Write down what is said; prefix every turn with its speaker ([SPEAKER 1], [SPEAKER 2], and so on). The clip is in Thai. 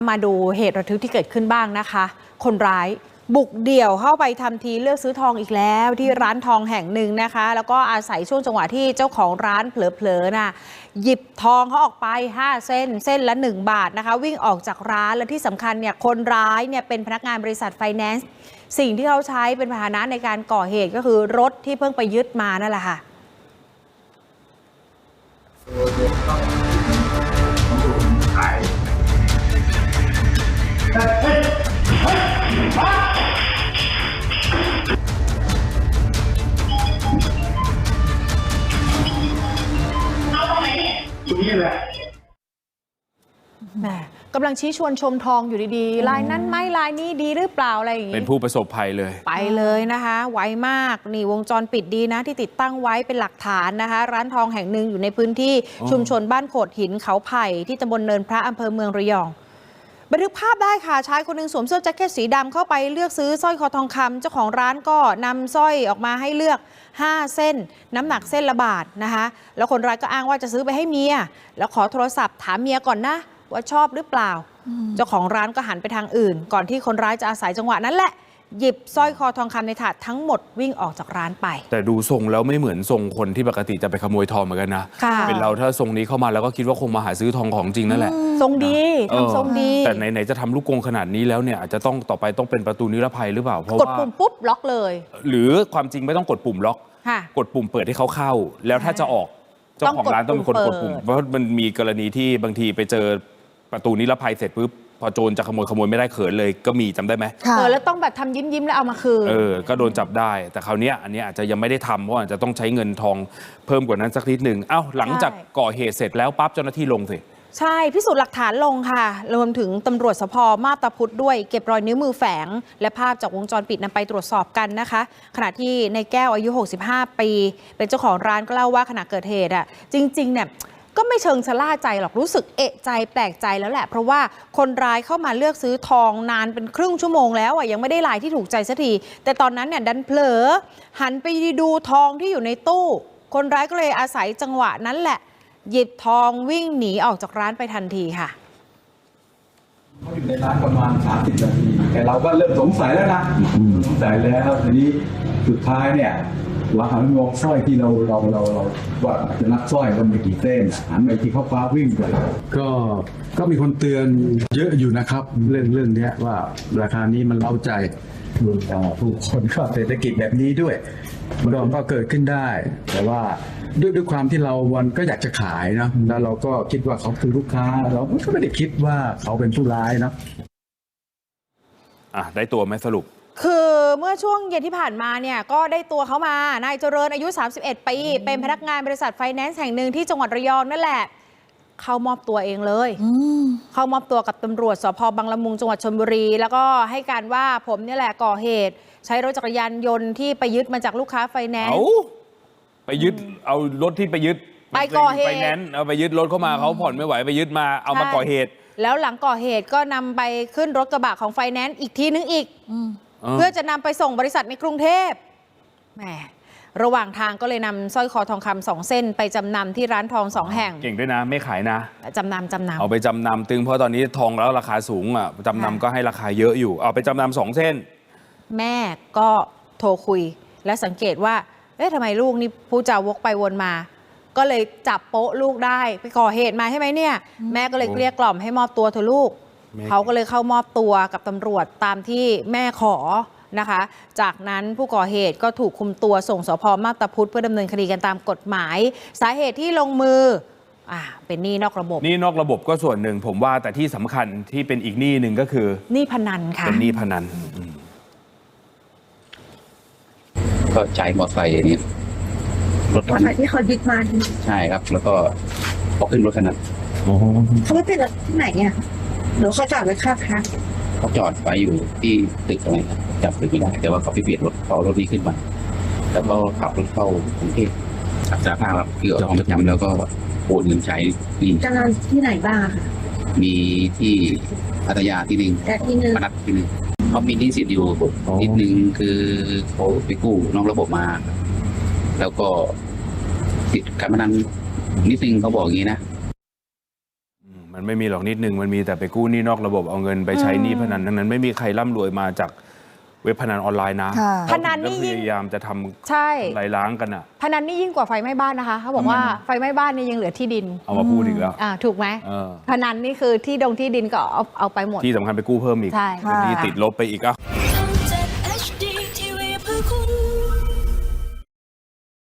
[SPEAKER 1] มาดูเหตุระทึกที่เกิดขึ้นบ้างนะคะ คนร้ายบุกเดี่ยวเข้าไปทำทีเลือกซื้อทองอีกแล้วที่ร้านทองแห่งหนึ่งนะคะ แล้วก็อาศัยช่วงจังหวะที่เจ้าของร้านเผลอๆน่ะหยิบทองเขาออกไป5 เส้นเส้นละ1 บาทนะคะวิ่งออกจากร้านและที่สำคัญเนี่ยคนร้ายเนี่ยเป็นพนักงานบริษัทไฟแนนซ์สิ่งที่เขาใช้เป็นพาหนะในการก่อเหตุก็คือรถที่เพิ่งไปยึดมานั่นแหละค่ะแหมกำลังชี้ชวนชมทองอยู่ดีๆลายนั้นไหมลายนี้ดีหรือเปล่าอะไรอย่างนี้
[SPEAKER 2] เป็นผู้ประสบภัยเลย
[SPEAKER 1] ไปเลยนะคะไวมากนี่วงจรปิดดีนะที่ติดตั้งไว้เป็นหลักฐานนะคะร้านทองแห่งหนึ่งอยู่ในพื้นที่ชุมชนบ้านโขดหินเขาไผ่ที่ตำบลเนินพระอำเภอเมืองระยองบันทึกภาพได้ค่ะชายคนหนึ่งสวมเสื้อแจ็คเก็ตสีดำเข้าไปเลือกซื้อสร้อยคอทองคำเจ้าของร้านก็นำสร้อยออกมาให้เลือก5 เส้นน้ำหนักเส้นละบาทนะคะแล้วคนร้ายก็อ้างว่าจะซื้อไปให้เมียแล้วขอโทรศัพท์ถามเมียก่อนนะว่าชอบหรือเปล่าเจ้าของร้านก็หันไปทางอื่นก่อนที่คนร้ายจะอาศัยจังหวะนั้นแหละหยิบสร้อยคอทองคำในถาดทั้งหมดวิ่งออกจากร้านไป
[SPEAKER 2] แต่ดูทรงแล้วไม่เหมือนทรงคนที่ปกติจะไปขโมยทองเหมือนกันนะเป็นเราถ้าทรงนี้เข้ามาแล้วก็คิดว่าคงมาหาซื้อทองของจริงนั่นแหละ
[SPEAKER 1] ทรงดีทำทรงดี
[SPEAKER 2] แต่ไหนๆจะทำลูกกรงขนาดนี้แล้วเนี่ยอาจจะต้องต่อไปต้องเป็นประตูนิรภัยหรือเปล่าเพราะว่าก
[SPEAKER 1] ดปุ่มปุ๊บล็อกเลย
[SPEAKER 2] หรือความจริงไม่ต้องกดปุ่มล็อกกดปุ่มเปิดให้เขาเข้าแล้วถ้าจะออกเจ้าของร้านต้องเป็นคนกดปุ่มเพราะมันมีกรณีที่บางทีไปเจอประตูนิรภัยเสร็จปุ๊บพอโจรจะขโมยไม่ได้เขินเลยก็มีจำได้ไหม
[SPEAKER 1] แล้วต้องแบบทำยิ้มแล้วเอามาคืน
[SPEAKER 2] ก็โดนจับได้แต่คราวนี้อันนี้อาจจะยังไม่ได้ทำเพราะอาจจะต้องใช้เงินทองเพิ่มกว่านั้นสักนิดหนึ่งหลังจากก่อเหตุเสร็จแล้วปั๊บเจ้าหน้าที่ลงสิ
[SPEAKER 1] ใช่พิสูจน์หลักฐานลงค่ะรวมถึงตำรวจสภ.มาบตาพุธด้วยเก็บรอยนิ้วมือแฝงและภาพจากวงจรปิดนำไปตรวจสอบกันนะคะขณะที่ในแก้วอายุ65 ปีเป็นเจ้าของร้านก็เล่าว่าขณะเกิดเหตุจริงๆเนี่ยก็ไม่เชิงชะล่าใจหรอกรู้สึกเอะใจแปลกใจแล้วแหละเพราะว่าคนร้ายเข้ามาเลือกซื้อทองนานเป็นครึ่งชั่วโมงแล้วยังไม่ได้ลายที่ถูกใจสักทีแต่ตอนนั้นเนี่ยดันเผลอหันไปดูทองที่อยู่ในตู้คนร้ายก็เลยอาศัยจังหวะนั้นแหละหยิบทองวิ่งหนีออกจากร้านไปทันทีค่ะ
[SPEAKER 3] เขาอยู่ในร้านประมาณ30 นาทีแต่เราก็เริ่มสงสัยแล้วนะสงสัยแล้วทีนี้สุดท้ายเนี่ยเราหันมองสร้อยที่เราว่าจะนับสร้อยก็มีกี่เส้นหันไปที่เขาฟ้าวิ่งไป
[SPEAKER 4] ก็มีคนเตือนเยอะอยู่นะครับเรื่องนี้ว่าราคานี้มันเล้าใจผู้คนก็เศรษฐกิจแบบนี้ด้วยมันก็เกิดขึ้นได้แต่ว่าด้วยความที่เราวันก็อยากจะขายนะแล้วเราก็คิดว่าเขาคือลูกค้าเราก็ไม่ได้คิดว่าเขาเป็นผู้ร้ายนะ
[SPEAKER 2] ได้ตัวไหมสรุป
[SPEAKER 1] คือเมื่อช่วงเย็นที่ผ่านมาเนี่ยก็ได้ตัวเขามานายเจริญอายุ31 ปีเป็นพนักงานบริษัทไฟแนนซ์แห่งหนึ่งที่จังหวัดระยองนั่นแหละเข้ามอบตัวเองเลยเข้ามอบตัวกับตำรวจสภ.บางละมุงจังหวัดชลบุรีแล้วก็ให้การว่าผมนี่แหละก่อเหตุใช้รถจักรยานยนต์ที่ไปยึดมาจากลูกค้าไฟแนนซ์
[SPEAKER 2] ไปยึดเอารถที่ไปยึด
[SPEAKER 1] ไปก่อเหตุไฟ
[SPEAKER 2] แนนซ์เอาไปยึดรถเข้ามาเขาผ่อนไม่ไหวไปยึดมาเอามาก่อเหตุ
[SPEAKER 1] แล้วหลังก่อเหตุก็นำไปขึ้นรถกระบะของไฟแนนซ์อีกทีนึงอีกเพื่อจะนำไปส่งบริษัทในกรุงเทพแหมระหว่างทางก็เลยนำสร้อยคอทองคำ2 เส้นไปจำนำที่ร้านทอง2 แห่ง
[SPEAKER 2] เก่งด้วยนะไม่ขายนะ
[SPEAKER 1] จำนำ
[SPEAKER 2] เอาไปจำนำตึงเพราะตอนนี้ทองแล้วราคาสูงจำนำก็ให้ราคาเยอะอยู่เอาไปจำนำ2 เส้น
[SPEAKER 1] แม่ก็โทรคุยและสังเกตว่าทำไมลูกนี่พูดจาวกไปวนมาก็เลยจับโป๊ะลูกได้ไปก่อเหตุมาใช่ไหมเนี่ยแม่ก็เลยเกลี้ยกล่อมให้มอบตัวเถอะลูกเขาก็เลยเข้ามอบตัวกับตำรวจตามที่แม่ขอนะคะจากนั้นผู้ก่อเหตุก็ถูกคุมตัวส่งสภ.มาบตาพุธเพื่อดำเนินคดีกันตามกฎหมายสาเหตุที่ลงมือเป็นหนี้นอกระบบ
[SPEAKER 2] หนี้นอกระบบก็ส่วนหนึ่งผมว่าแต่ที่สำคัญที่เป็นอีกหนี้หนึ่งก็คือ
[SPEAKER 1] หนี้พนันค่ะ
[SPEAKER 2] เป็นหนี้พนัน
[SPEAKER 5] ก็ใช้มอเตอร์ไซค์นี้
[SPEAKER 6] รถที่เขายึดมา
[SPEAKER 5] ใช่ครับแล้วก็พอขึ้นรถคันนั้น
[SPEAKER 6] เขาไม่เป็นรถที่ไหนเนี่ยหรือเขาจอดไว้ข้างทาง
[SPEAKER 5] เขาจอดไว้อยู่ที่ตึกอะไรครับจับตึกไม่ได้แต่ว่าเขาไปเปลี่ยนรถเอารถนี้ขึ้นมาแล้วก็ขับรถเข้ากรุงเทพสารภาพคือเอาทองประจำแล้วก็โอนเงินใช้
[SPEAKER 6] จะนอนที่ไหนบ้างค่ะ
[SPEAKER 5] มีที่พัทยาที่หนึ่งมนัสที่หนึ่งเขามีหนี้สินอยู่นิดนึงคือเขาไปกู้นอกระบบมาแล้วก็ติดการพนันนิดนึงเขาบอกอย่างนี้นะ
[SPEAKER 2] มันไม่มีหรอกนิดนึงมันมีแต่ไปกู้หนี้นอกระบบเอาเงินไปใช้หนี้พนันทั้งนั้นไม่มีใครร่ำรวยมาจากเว็บพนันออนไลน์นะ
[SPEAKER 6] ค่ะ
[SPEAKER 1] พนันนี่
[SPEAKER 2] ก็
[SPEAKER 1] ยิ่
[SPEAKER 2] พ
[SPEAKER 1] ง
[SPEAKER 2] ยายามจะท
[SPEAKER 1] ใช่
[SPEAKER 2] ำลายล้างกันอ่ะ
[SPEAKER 1] พนันนี่ยิ่งกว่าไฟไหม้บ้านนะคะเขาบอกว่าไฟไหม้บ้านนี่ยังเหลือที่ดิน
[SPEAKER 2] เอามาพูดอีกแล้ว
[SPEAKER 1] ถูกไหม
[SPEAKER 2] เออ
[SPEAKER 1] พนันนี่คือที่ดินก็เอาไปหมด
[SPEAKER 2] ที่สำคัญไปกู้เพิ่มอีก
[SPEAKER 1] ใช่
[SPEAKER 2] เป็นหนี้ติดลบไปอีกอ่ะ